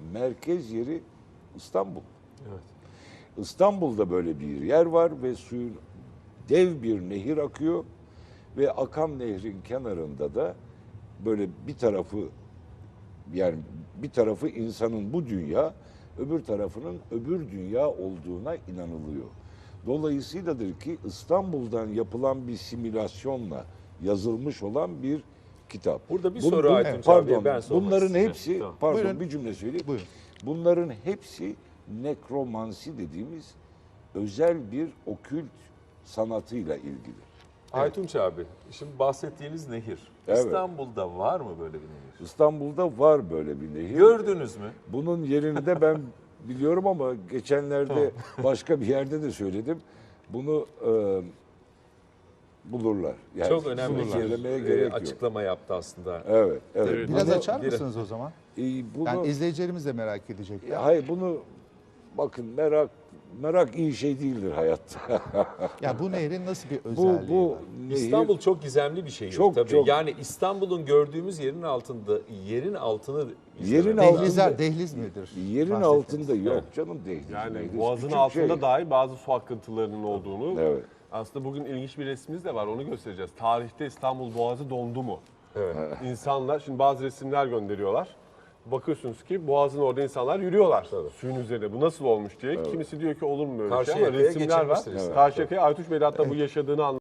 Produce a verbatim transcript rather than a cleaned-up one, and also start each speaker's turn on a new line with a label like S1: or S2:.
S1: merkez yeri İstanbul.
S2: Evet.
S1: İstanbul'da böyle bir yer var ve suyun dev bir nehir akıyor ve akan nehrin kenarında da böyle bir tarafı, yani bir tarafı insanın bu dünya, öbür tarafının öbür dünya olduğuna inanılıyor. Dolayısıyladır ki İstanbul'dan yapılan bir simülasyonla yazılmış olan bir kitap.
S2: Burada bir
S1: Bu-
S2: soru
S1: bu-
S2: Aytunç
S1: pardon,
S2: abiye ben sormak
S1: bunların
S2: isteyeceğim.
S1: hepsi,
S2: Tamam.
S1: pardon
S3: Buyurun.
S1: bir cümle söyleyeyim.
S3: Buyurun.
S1: Bunların hepsi nekromansi dediğimiz özel bir okült sanatıyla ilgili.
S2: Aytunç abi, şimdi bahsettiğiniz nehir.
S1: Evet.
S2: İstanbul'da var mı böyle bir nehir?
S1: İstanbul'da var böyle bir nehir.
S2: Gördünüz mü?
S1: Bunun yerini de ben biliyorum ama geçenlerde başka bir yerde de söyledim. Bunu e, bulurlar. Yani
S2: Çok önemli
S1: bunu söylemeye
S2: bir
S1: gerek
S2: e,
S1: yok.
S2: açıklama yaptı aslında.
S1: Evet, evet.
S3: Biraz
S1: Bunu-
S3: açar
S2: bir-
S3: mısınız o zaman?
S1: e, bunu,
S3: Yani izleyicilerimiz de merak edecekler.
S1: Ya hayır bunu bakın merak merak iyi şey değildir hayatta.
S3: Ya bu nehrin nasıl bir
S1: bu
S3: özelliği
S1: bu
S3: var?
S1: nehir
S2: İstanbul çok gizemli bir şehir
S1: Çok,
S2: tabii.
S1: çok.
S2: Yani İstanbul'un gördüğümüz yerin altında, yerin altını
S1: Yerin
S2: izlemek
S1: altında-
S2: lazım.
S3: Dehlizler, dehliz midir?
S1: yerin
S3: Bahsettiğiniz?
S1: altında yok canım dehliz.
S4: Yani
S1: mehliz,
S4: boğazın
S1: küçük
S4: altında
S1: şey.
S4: dahi bazı su akıntılarının olduğunu.
S1: Evet.
S4: Aslında bugün ilginç bir resmimiz de var, onu göstereceğiz. Tarihte İstanbul Boğazı dondu mu?
S2: Evet.
S4: İnsanlar, şimdi bazı resimler gönderiyorlar. Bakıyorsunuz ki Boğaz'ın orada insanlar yürüyorlar suyun üzerinde. Bu nasıl olmuş diye. Kimisi diyor ki olur mu böyle şey ama
S2: Karşıyaka'ya
S4: resimler var.
S2: geçilmiştir İstanbul.
S4: Karşıyaka'ya Aytunç Bey de hatta bu yaşadığını anlatıyor.